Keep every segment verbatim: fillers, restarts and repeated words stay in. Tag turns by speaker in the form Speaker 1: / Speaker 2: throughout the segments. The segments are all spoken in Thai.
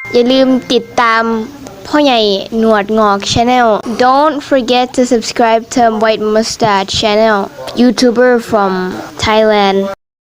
Speaker 1: อย่าลืมติดตามพ่อใหญ่หนวดงอก Channel Don't forget to subscribe to White Mustache Channel YouTuber from Thailand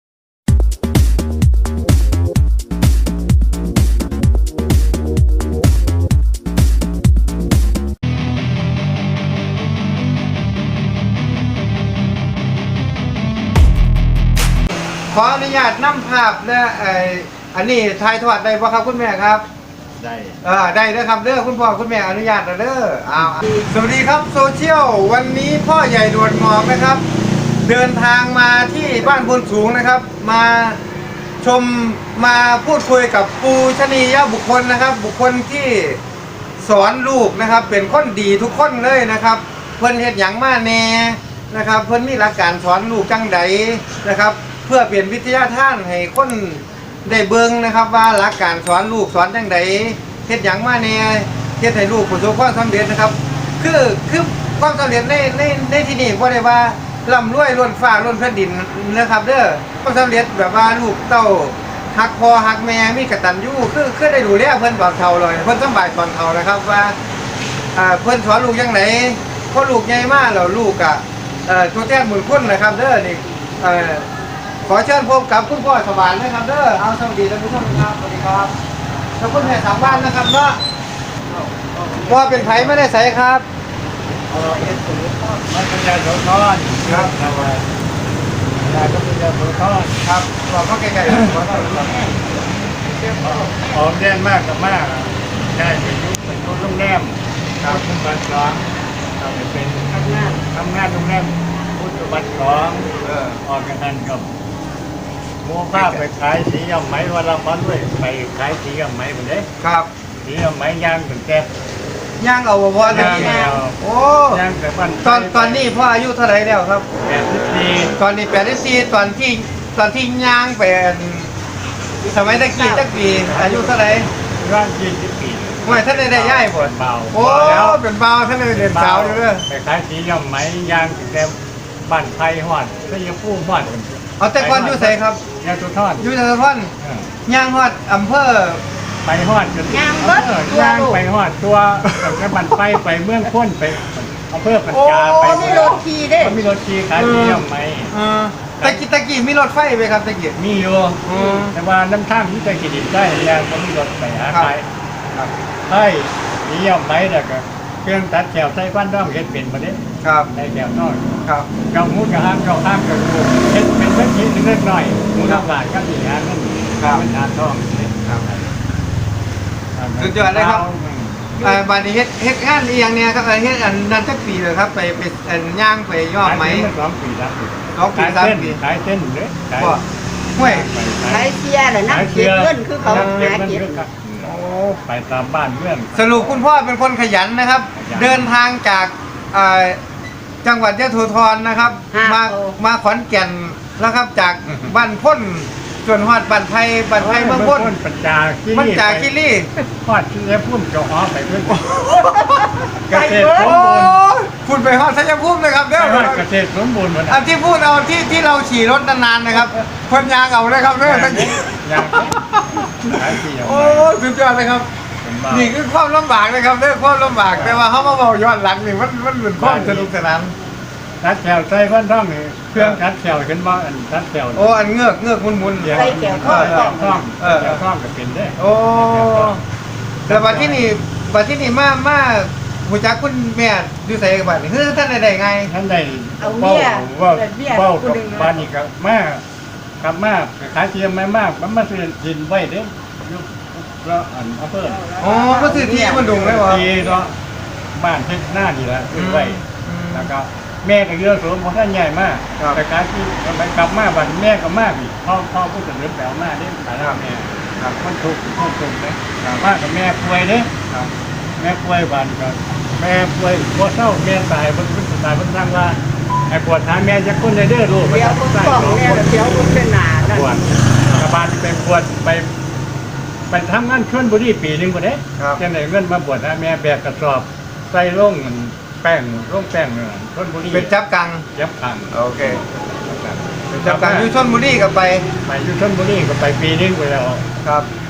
Speaker 2: ขออนุญาตนำภาพและไออันนี้ถ่ายทอดได้ป่ะครับคุณแม่ครับ
Speaker 3: ได้
Speaker 2: เออได้เด้อครับเด้อคุณพ่อคุณแม่อนุญาตแล้วเด้ออ้าวสวัสดีครับโซเชียลวันนี้พ่อใหญ่ดวดงอกนะครับเดินทางมาที่บ้านพนสูงนะครับมาชมมาพูดคุยกับปูชนียบุคคลนะครับ บุคคลที่สอนลูกนะครับ เป็นคนดีทุกคนเลยนะครับเพิ่นเฮ็ดหยังมาแน่นะครับเพิ่นมีหลักการสอนลูกจังใดนะครับเพื่อเปลี่ยนวิทยาทานให้คนได้เบิ่งนะครับว่าหลักการสอนลูกสอนจังใดเฮ็ดหยังมาแน่เฮ็ดให้ลูกประสบความสำเร็จนะครับคือคือความสำเร็จในในในที่นี้บ่ได้ว่าร่ำรวยล้นฟ้าล้นแผ่นดินนะครับเด้อความสำเร็จแบบว่าลูกเต้าฮักพ่อฮักแม่มีกตัญญูคือคือได้ดูแลเพิ่นตอนเฒ่าเลยเพิ่นสำบายตอนเฒ่านะครับว่าอ่าเพิ่นสอนลูกจังไดพอลูกใหญ่มาแล้วลูกอ่ะเอ่อตัวแทนบุญคุณนะครับเด้อนี่เอ่อขอเชิญพบกับคุณพ่อสวรรค์นะครับเด้อเอาสวัสดีท่านผู้ชมครับสวัสดีครับแล้วคุณแม่ทางบ้านนะครับเนาะว่าเป็นไผไม่ได้ใส่ครับ
Speaker 3: เออเอ็ดสูงมันเป็นยาโสธรครับทำไมยาก็เป็นยาโสธร
Speaker 2: ครับบอกเขาไกลๆขอโทษครับ
Speaker 3: ออกแดนมากกับมากใช่เป็นยุคเป็นยุคโรงแรมครับคุณบัตรสองเราเป็นทำงานทำงานโรงแรมพุทธบัตรสองออกกันนั่นกับโม้ผ้าไปขายสีย่อมไหมวันละพันด้วยไปขายสีย่อมไหมหมดเลย
Speaker 2: ครับ
Speaker 3: สีย่อมไหมย่างถึงแก่
Speaker 2: ย่างเอาบ่พอเลยโอ้
Speaker 3: ย่างแต่วัน
Speaker 2: ตอนตอนนี้พ่ออายุเท่าไหร่แล้วครับ
Speaker 3: แปดสิบสี่
Speaker 2: ตอนนี้แปดสิบสี่ตอนที่ตอนที่ย่างเป็นสมัยตะกี้ตะกี้อายุเท่าไหร่
Speaker 3: ร่างยี่สิบปี
Speaker 2: ไม่ท่านได้ได้ย่ายผล
Speaker 3: เบา
Speaker 2: โอ้เป็นเบาท่านได้เรียนสาวอยู่เลย
Speaker 3: ไปขายสีย่อมไหมย่างถึงแก่บ้านไทยหอดก็ยังพูดหอด
Speaker 2: เอาแต่ก่อนอยู่ใส่ครับ
Speaker 3: ยาตุทอน
Speaker 2: อยู่ยาตุทอนย่างหอดอำเภอ
Speaker 3: ไปหอดจนย่างรถย่างไปหอดตัวแต่บันไปไปเมืองพ้นไปอำเภอปัญจาไป
Speaker 4: มีรถขี่ด้
Speaker 3: มีรถขี่ขายที่ย่อมไหม
Speaker 2: ตะกี้ตะกี้มีรถไฟไหมครับตะกี้
Speaker 3: มีอยู่แต่ว่าน้ำท่ามที่ตะกี้ดินได้ยางก็มีรถไปหาขายใช่ที่ย่อมไหมแต่ก็เครื่องตัดแถวใส่บ้านด้อมเห็ดเป็นมาเนี่ย
Speaker 2: ครับ
Speaker 3: ในแถวน้อย
Speaker 2: ครับ
Speaker 3: เกามุดกับห้างเกาห้างกับกูเห็ดเป็นเล็กนิดเล็กหน่อยมูลค่าก็ดีฮะนั่นเป็นงานท่องครับ
Speaker 2: สุดยอดเลยครับบานนี้เฮ็ดเฮ็ดงานอีอย่างเนี้ยครับเฮ็ดอันนั้นสักปีเลยครับไปไปอันย่างไปย่อไหม
Speaker 3: สองปีสามปี
Speaker 2: สองปีสามปี
Speaker 3: ขายเส้นเลยขาย
Speaker 2: ห้วย
Speaker 4: ขายเสียเหรอนะเก็บเงินคือเขาหาเก็บ
Speaker 3: โอ้ไปตามบ้านเพื่อน
Speaker 2: สรุปคุณพ่อเป็นคนขยันนะครับเดินทางจากจังหวัดยะโสธรนะครับมามาขอนแก่นแล้วครับจากบ้านพ้นจนฮอดบ้านไทยบ้านไทยเมืองพ้น
Speaker 3: ปัญจาคีรี
Speaker 2: ปัญจาคีรี
Speaker 3: ฮอดที่จะพุ่มจะฮอไปเพื่อนเกษตรสมบูรณ์
Speaker 2: พูดไปฮอดชัยภูมิเลยครับเด้อ
Speaker 3: เกษตรสมบูรณ์เหมือน
Speaker 2: อันที่พูดเอาที่ที่เราขี่รถนานๆนะครับคนยางเอาเลยครับเด้อทั้ง
Speaker 3: ยาง
Speaker 2: โอ้สุดยอดเลยครับนี่คือความลำบากนะครับเรื่องความลำบากแต่ว่าเขามาบอกย้อนหลังนี่มันมันเหมือนความสนุกสนาน
Speaker 3: ตัดแถวใส่บ้านท่องนี่เครื่องตัดแถวขึ้นมาอันตัดแถว
Speaker 2: โอ้อันเงือกเงือกมุนมุน
Speaker 4: ใส่แถวท่อง
Speaker 3: ท่องเออท่องก็เป็นได้
Speaker 2: โอ้แต่บัดที่นี่บัดที่นี่มามาหูจักคุณแม่ดูใส่กับบัดนี่คือท่านใดไง
Speaker 3: ท่านใดเบ้าว่าเบ้ากับบ้านนี่ครับมากับมาขายเทียมไม่มากมันมาซื้อดินไว้เด้แล้วอันอำเภอ
Speaker 2: อ๋อก็ซื้อที่มันดุงเลยวะ
Speaker 3: ที่เนาะบ้านที่หน้านี่แหละซื้อไว้แล้วก็แม่ก็เยอะสูงเพราะท่านใหญ่มากแต่การที่มันกลับมาบ้านแม่ก็มากอีกพ่อพ่อพูดถึงเรื่องแปลวมาได้ขายแม่มันถูกมันถูกเลยมากกับแม่ป่วยเนี่ยแม่ป่วยบ้านก็แม่ป่วยพอเศร้าแม่ตายบนพื้นตายบนทางว่าไอ้ปวดทางแม่จะก้นเลยเด้อลูก
Speaker 4: เดี๋ยวคนสองแม่เดี๋ยวคนเป็นหนา
Speaker 3: ปวดกระบาลไปปวดไปไปทำงานชลบุรีปีหนึ่งกว่าเนี้ยจะไหนเงินมาบวชนะแม่แบกกระสอบใส่ร่องแป้งร่องแป้งเนี่ยชลบุรี
Speaker 2: เป็นจับกัง
Speaker 3: จับกัง
Speaker 2: โอเคเป็นจับกังอยู่ชลบุรีกับไป
Speaker 3: ไปอยู่ชลบุรีก็ไปปีนึงไปแล้ว
Speaker 2: ครับ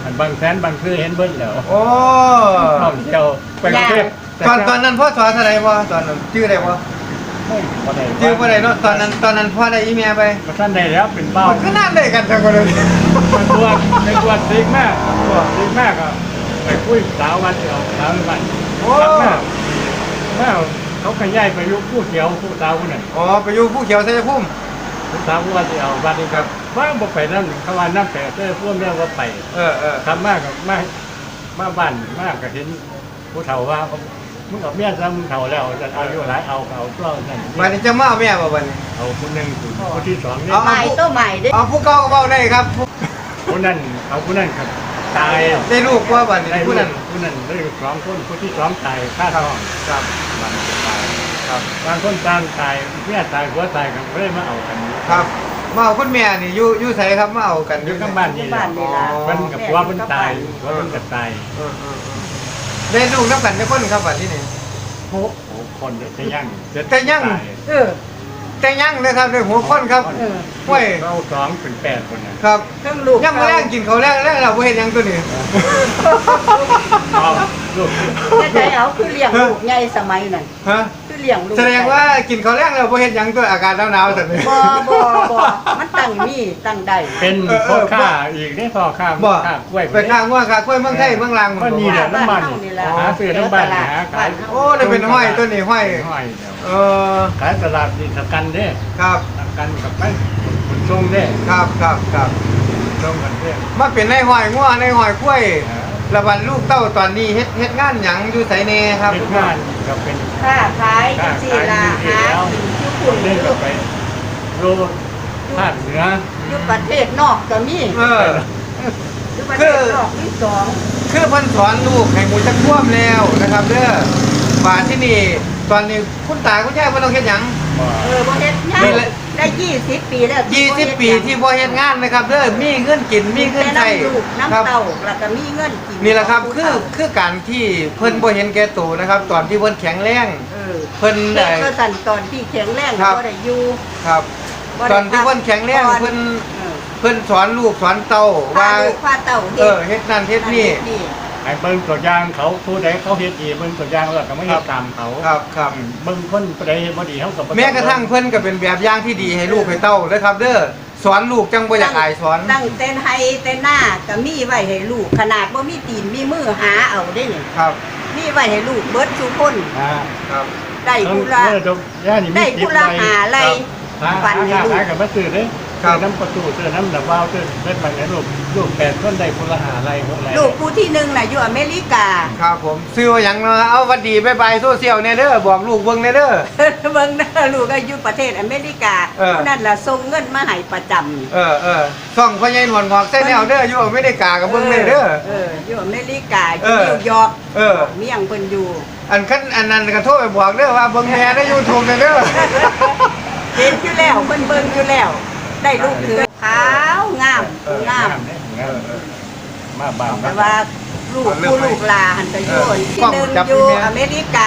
Speaker 3: อันบางแสนบางคือเห็นเบิ้ลแล้ว
Speaker 2: โอ้
Speaker 3: ท่องเที่ยวไปกรุงเทพ
Speaker 2: ตอนตอนนั้นพ่อสอนอะไรพ่อตอนนั้นชื่ออะไรพ่อ
Speaker 3: ไม่พอได้
Speaker 2: ชื่ออะไรเนาะตอนนั้นตอนนั้นพ่อได้อีเมียไป
Speaker 3: มาท่านได้แล้วเป็นเบ้า
Speaker 2: ก็น่าได้กันทั้งคนเลย
Speaker 3: มันตัวในตัวซิกมากซิกมากอ่ะไปคุยสาววันเดียวสาววัน
Speaker 2: โอ้
Speaker 3: มากมากเขาขยายไปยุคผู้เขียวผู้สาวคนนั้น
Speaker 2: อ๋อไปอยู่ผู้เขียวชัยภูมิ
Speaker 3: ผู้สาวผู้วันเดียววันนี้ครับว่างบอกไปนั่นเขาว่าน้ำแต่เจ้าพ่วงเรื่องว่าไป
Speaker 2: เออเออ
Speaker 3: ทำมากกับมากมาบ้านมากกับเห็นผู้เฒ่าว่ามึงกับเมียซ้ำมึงเฒ่าแล้วจะเอาอยู่หลายเอาเอาเปล่านั่น
Speaker 2: วันนี้จะมาเอาแม่บ่วันนี้
Speaker 3: เอาคนหนึ่งคนที่สองนี่
Speaker 2: เอา
Speaker 4: ใหม่ตัวใหม่เด้อ
Speaker 2: เอาผู้เก่าก็เบาได้ครับ
Speaker 3: คนนั้นเอาคนนั้นครับตาย
Speaker 2: ได้ลูกว่าวันนี้
Speaker 3: ได้
Speaker 2: ผู้นั้น
Speaker 3: คนนั้นได้สองคนคนที่สองตายฆ่าท้อง
Speaker 2: ครับ
Speaker 3: มันตาย
Speaker 2: ครับ
Speaker 3: บางคนตามตายเมียตายหัวตายกันไม่ได้มาเอากัน
Speaker 2: ครับมาเอาคุณแม่นี่อยู่อยู่ไสครับมาเอากัน
Speaker 3: อยู่ข้างบ้านนี่
Speaker 4: บ้านนี่ล่ะ
Speaker 3: มันกับหัวมันตายหัวมันกับตาย
Speaker 2: เออเออเออได้ลูกนับกันได้คนครับวันที่นี่
Speaker 3: โอ้โหคนจะยั่ง
Speaker 2: แต่ยัง
Speaker 4: เออ
Speaker 2: แต่ยังเลยครับได้หัวคนครับ
Speaker 4: เออ
Speaker 2: ห้วย
Speaker 3: เราสองเป็นแปดคนนะครับ
Speaker 4: เครื่องลูก
Speaker 2: ยังมาแรงกินเขาวแรงแรงเราบ่เห็นหยังตัวนี้
Speaker 3: เอาลูก
Speaker 4: จะได้เอาคือเลี้ยงลูกใหญ่สมัยนั้น
Speaker 2: ฮะ
Speaker 4: คือเลี้ยงลูก
Speaker 2: แสดงว่ากินเขาวแรงเราบ่เห็นหยังตัวอากาศหนาวๆแต่นี้
Speaker 4: บ่บ่บ่มันตั้งมีตั้งได้
Speaker 3: เป็นพ่อข้าอีกได้พ่อข้า
Speaker 2: บ่
Speaker 3: ข้ากล้วย
Speaker 2: ไปข้างว่าข้ากล้วยเมืองไทยเมืองลาง
Speaker 3: ก็นี่แหละน้ำมันหาซื้อน้ำมันหาขาย
Speaker 2: โอ้ได้เป็นห้อยตัวนี้ห้อย
Speaker 3: ห้อยเดียว
Speaker 2: เออ
Speaker 3: ขายตลาดดิสกันเด้
Speaker 2: ครับ
Speaker 3: สกันกับไปขนส่งเด้
Speaker 2: ครับครับครับ
Speaker 3: ส่งกันเด้
Speaker 2: มาเป็นในห้อยงัวในห้อยกล้วยระบัดลูกเต้าตอนนี้เฮ็ดเฮ็ดงานหยังอยู่ไสแน่ครับ
Speaker 3: เป็นงานก็เป็น
Speaker 4: ค้าขายจังซี่ล่ะหากินอยู่คุณ
Speaker 3: เล่น
Speaker 4: อ
Speaker 3: กั
Speaker 4: ยู่
Speaker 3: บไปโรภาคเหนือ
Speaker 4: อยู่ประเทศนอกก็มี
Speaker 2: เออ
Speaker 4: อยู่ประเทศนอกมีสอง
Speaker 2: คือเพิ่นสอนลูกให้หมูจักท่วมแล้วนะครับเด้อบาดที่นี่ตอนนี้คุณตาคุณยายเพิ่นต้องเฮ็ดหยัง
Speaker 4: เออบ่เฮ็ดงาน
Speaker 2: นี่แหละ
Speaker 4: ได้ยี่สิบปีแล้ว
Speaker 2: ยี่สิบปีที่บ่เฮ็ดงานนะครับเด้อมีเงินกินมีเงินใช้
Speaker 4: แต่น้ำลูก
Speaker 2: ครั
Speaker 4: น้ำเต้าแล้วก็มีเงินกิน
Speaker 2: นี่แหละครับคือคือการที่เพิ่นบ่เห็นแก่ตัวนะครับ ตอนที่เพิ่นแข็งแรง
Speaker 4: เออ
Speaker 2: เพิ่น
Speaker 4: เด็
Speaker 2: ได้
Speaker 4: กก็สั่นตอนที่แข็งแรง
Speaker 2: ครับ
Speaker 4: ก็ได้อยู่
Speaker 2: ครับ
Speaker 4: บ่ได้
Speaker 2: ตอนที่เพิ่นแข็งแรง
Speaker 4: พักผ่อน
Speaker 2: เพิ่น
Speaker 4: เออ
Speaker 2: เพิ่นสอนลูกสอนเต้า
Speaker 4: พา
Speaker 2: ว่า
Speaker 4: ลูกพาเต้า
Speaker 2: เออเฮ็ดนั่นเฮ็ดนี่
Speaker 3: ไอ้เบิ้งตัวอย่างเขาผู้ใดเขาเฮ็ดดีเบิ้งตัวอย่างแล้วก็ไม่เฮ็ดตามเขา
Speaker 2: ครับครับ
Speaker 3: เบิ้งคนผู้ใดเฮ็ดบ่ดีเขาก็บ่ต้อง
Speaker 2: แม้กระทั่งเพิ่นก็เป็นแบบอย่างที่ดีให้ลูกให้เต้าเด้อครับ เด้อสอนลูกจังบ่อยากอายสอน
Speaker 4: ตั้งเต้นให้เต้นหน้าก็มีไว้ให้ลูกขนาดบ่มีตีนมีมือหาเอาได้นี่
Speaker 2: ครับ
Speaker 4: มีไว้ให้ลูกเบิดทุกคน
Speaker 3: อ่า
Speaker 2: ครับ
Speaker 4: ได้ผู้ละ
Speaker 3: เออเดี๋ยวย่านี่มี
Speaker 4: ได้
Speaker 3: ติ
Speaker 4: ผู้ละหาอะไร
Speaker 3: หา
Speaker 4: ฝัน
Speaker 3: หา
Speaker 4: ให้ลูก
Speaker 3: ขายกับมาซื้อเด้
Speaker 2: ครับ
Speaker 3: ซื้อน้ำประตูซื้อน้ำดับวาล์วซื้อเม็ดมันให้ลูกลูกแปดคนได้คนละหาอะไรหกอะไร
Speaker 4: ลูกผู้ที่หนึ่งน่ะอยู่อเมริกา
Speaker 2: ครับผมซื้อว่าหยังเนาะเอาหวัดดีบ๊ายบายโซเชียลแน่เด้อบอกลูกเบิ่งแน่เด้อ
Speaker 4: เบิ่งเด้อลูกก็อยู่ประเทศอเมริกา
Speaker 2: เออ
Speaker 4: ผู้นั้นล่ะส่งเงินมาให้ประจำ
Speaker 2: เออเออส่องพ่อใหญ่หนวลงอกใส่แนวเด้ออยู่ไม่ได้กากับเบิ่งเลยเด้อ
Speaker 4: เอออยู่อเมริกาอ
Speaker 2: เอยู่ อ
Speaker 4: นิวยอร์ก
Speaker 2: เออ
Speaker 4: เมียงเพิ่นอยู่
Speaker 2: อันคันอันนั้นก็โทรไปบอกเด้อว่าเบิ่งแม่ใน YouTube เด้อ
Speaker 4: เห็นอยู่แล้วเพิ่นเบิ่งอยู่แล้ว ได้ลูกคือขาวงาม
Speaker 3: เออง
Speaker 4: าม
Speaker 3: เด้งามมาบ้าน
Speaker 4: แต่ว่าลูกผู้ลูกหลานหันไปอยู่ที่หนึ่งอยู่อเมริกา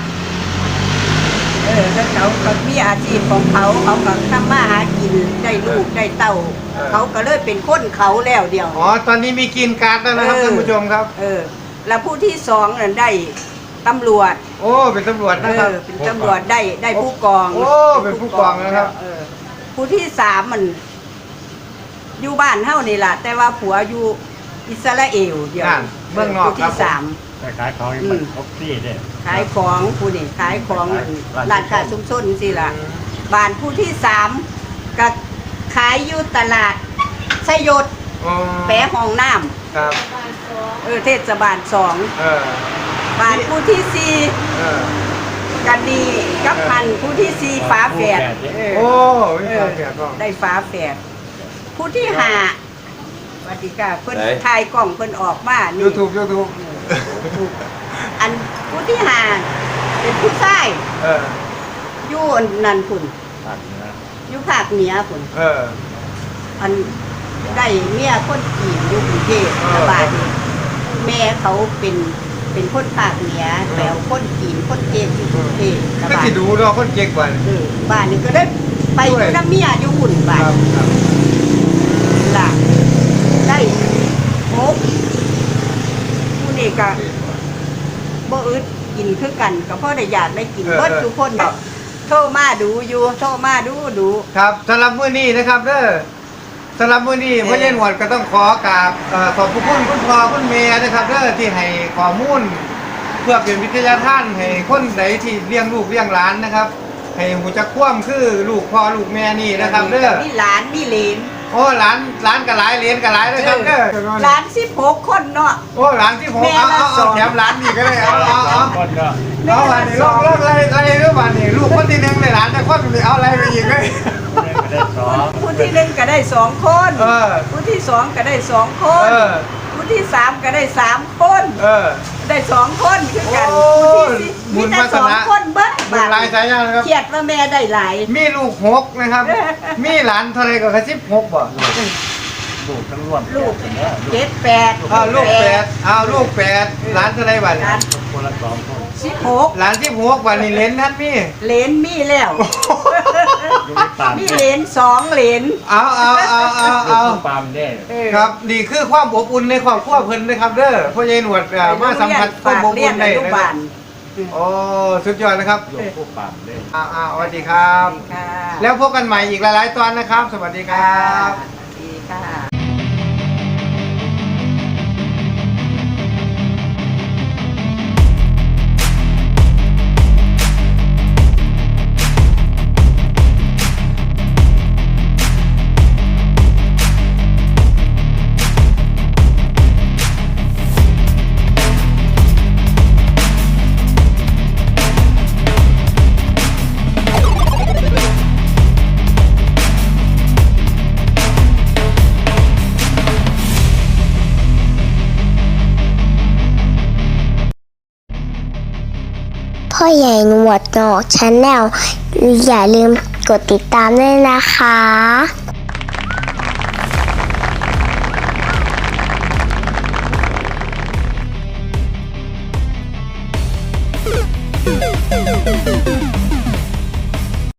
Speaker 4: เออแล้วเขาก็มีอาชีพของเขาเขาก็ทำมาหากินได้ลูกได้เต้า เขาก็เลยเป็นคนเขาแล้วเดียว
Speaker 2: อ๋อตอนนี้มีกินการ์ดแล้วนะครับ
Speaker 4: เออ
Speaker 2: ท่านผู้ชมครับ
Speaker 4: เออ แล้วผู้ที่สองนั่นได้ตำรวจ
Speaker 2: โอ้เป็นตำรวจ
Speaker 4: เอ
Speaker 2: นะครับ
Speaker 4: อเป็นตำรวจได้ได้ผู้กอง
Speaker 2: โอ้เป็นผู้กองนะครับ
Speaker 4: เออผู้ที่สามมัน อยู่บ้านเฮานี่ล่ะ แต่ว่าผัวอยู่อิสราเอลเดียว
Speaker 2: นั่นเมืองนอก
Speaker 4: ผู้
Speaker 2: ครับ
Speaker 4: ที่สาม
Speaker 3: แต่ขายของนี่มันครบที่เด้
Speaker 4: ขายของผู้นี่ขายของนั่น
Speaker 3: ร้าน
Speaker 4: ร้านค้าชุมชนสิล่ะบ้านผู้ที่สามก็ขายอยู่ตลาดชยศ
Speaker 2: อ๋อ
Speaker 4: แปะห้องน้ำ
Speaker 2: ครับ
Speaker 4: เออเทศบาลสอง
Speaker 2: เออ
Speaker 4: บ้านผู้ที่สี่
Speaker 2: เออ
Speaker 4: กันดีกับพันผู้ที่สี่ฝาแฝด
Speaker 3: เด้
Speaker 2: โอ้มี
Speaker 4: เอ
Speaker 2: ควา
Speaker 4: อ
Speaker 2: มแปลกก็
Speaker 4: ได้ฝาแฝดผู้ที่ห้าสวัสดีค่ะเพิ่น
Speaker 2: ไหน
Speaker 4: ถ่ายกล้องเพิ่นออกมานี่
Speaker 2: YouTube YouTube
Speaker 4: อันผู้ที่ห้าเป็นผู้ชาย
Speaker 2: เออ
Speaker 4: อยู่นั่นพุ่น
Speaker 3: ภาคเหนือ
Speaker 4: อยู่ภาคเหนือพุ่น
Speaker 2: เออ
Speaker 4: อันได้เมียคนจีนอยู่กรุงเทพ
Speaker 2: เออ
Speaker 4: แล้วบ้านนี้แม่เขาเป็นเป็นคนภาคเหนือแปลว่าคนจีนคนเทศอยู่กรุงเทพแล้ว
Speaker 2: ก็
Speaker 4: บ้าน
Speaker 2: สิดูเนาะคนเก่งกว่า
Speaker 4: เออบ้านนี้ก็ได้ไปอ
Speaker 2: ด้วย
Speaker 4: ยู่น้ำเมียอยู่หุ่น
Speaker 2: ค
Speaker 4: บ้าน
Speaker 2: รับครับ
Speaker 4: ล่ะได้หกนี่ก็บ่อึดกินคือกันก็เพราะได้อยากได้กินเบิดทุกคนโทรมาดูอยู่โทรมาดูดู
Speaker 2: ครับสำหรับมื้อนี้นะครับเด้อสำหรับมื้อนี้พ่อใหญ่หนวดก็ต้องขอกราบเอ่อขอบพระคุณคุณพ่อคุณแม่นะครับเด้อที่ให้ข้อมูลเพื่อเป็นวิทยาทานให้คนใดที่เลี้ยงลูกเลี้ยงหลานนะครับให้หูจักคว่ำคือลูกพ่อลูกแม่นี่นะครับเด้อ
Speaker 4: มีหลานมีเหลน
Speaker 2: โอ้หลานหลานก็หลายเหรียญก็หลายนะครับเด้อ
Speaker 4: หลานสิบหกคนเนาะ
Speaker 2: โอ้หลานที่ผม
Speaker 4: แม่
Speaker 2: เอา
Speaker 4: ละ
Speaker 2: เอา
Speaker 4: สอ
Speaker 2: เอา
Speaker 4: ง
Speaker 2: แถมหลานนี่ก็ได้เอาเอาเอา
Speaker 3: คนก็
Speaker 2: เอาวันนี้ลองลองอะไรอะไรเรื่องวันนี้ลูกคนที่หนึ่งในหลานแต่คนนี้เอาอะไรไปอีกเลย
Speaker 3: แม่ก็ได้สอง
Speaker 4: ผู้ที่หนึ่งก็ได้สองคน
Speaker 2: เออ
Speaker 4: ผู้ที่สองก็ได้สองคน
Speaker 2: เออ
Speaker 4: ผู้ที่สามก็ได้สามคน
Speaker 2: เออ
Speaker 4: ได้สองคนคือกัน
Speaker 2: โอ้
Speaker 4: ผู้ที่สี่
Speaker 2: บุ
Speaker 4: มี
Speaker 2: ญ
Speaker 4: แต่
Speaker 2: วาส
Speaker 4: สอง
Speaker 2: นา
Speaker 4: คนเบิด
Speaker 2: บุญหลายสายยานครับ
Speaker 4: เขียดว่าแม่ได้หลาย
Speaker 2: มีลูกหกนะครับ มีหลานเท่าไรก็กระสิบหกบ่
Speaker 3: ลูกทั้งรวม
Speaker 4: ลูก
Speaker 3: เป็นเนี่ยลูก
Speaker 4: เจ็ดแปด
Speaker 2: อ้าวลูกแปดอ้าวลูกแปดหลานเท่าไรบ้าน
Speaker 4: หลาน
Speaker 3: คนละสองคน
Speaker 4: สิบหก
Speaker 2: หลานที่หกบ้านนี่เลนท่านมี
Speaker 4: เหลนมีแล้ว
Speaker 3: ลูกปาม
Speaker 4: มีเหลนสองเหลน
Speaker 2: เอาเอาเอาเอาเอา
Speaker 3: ลูกปามได้
Speaker 4: เออ
Speaker 2: ครับนี่คือความอบอุ่นในครอบครัวเพิ่นนะครับเด้อพ่อใหญ่หนวดเอ่อมาสัมผัสความอบ
Speaker 4: เรีย
Speaker 2: อุ่
Speaker 4: น
Speaker 2: น
Speaker 4: อ
Speaker 2: ได้
Speaker 4: นุ
Speaker 2: นะค
Speaker 4: บา
Speaker 2: รับ
Speaker 4: ล
Speaker 2: โอ้สุดยอดนะครับ
Speaker 3: ลูกผู้ปามได้
Speaker 2: อ่าอ่าสวัสดีครับ
Speaker 4: ค่ะ
Speaker 2: แล้วพบกันใหม่อีกหลายๆตอนนะครับ สวัสดีครับ
Speaker 4: ดีค่ะ
Speaker 5: พ่อใหญ่หนวดงอกชาแนลอย่าลืมกดติดตามด้วยนะคะ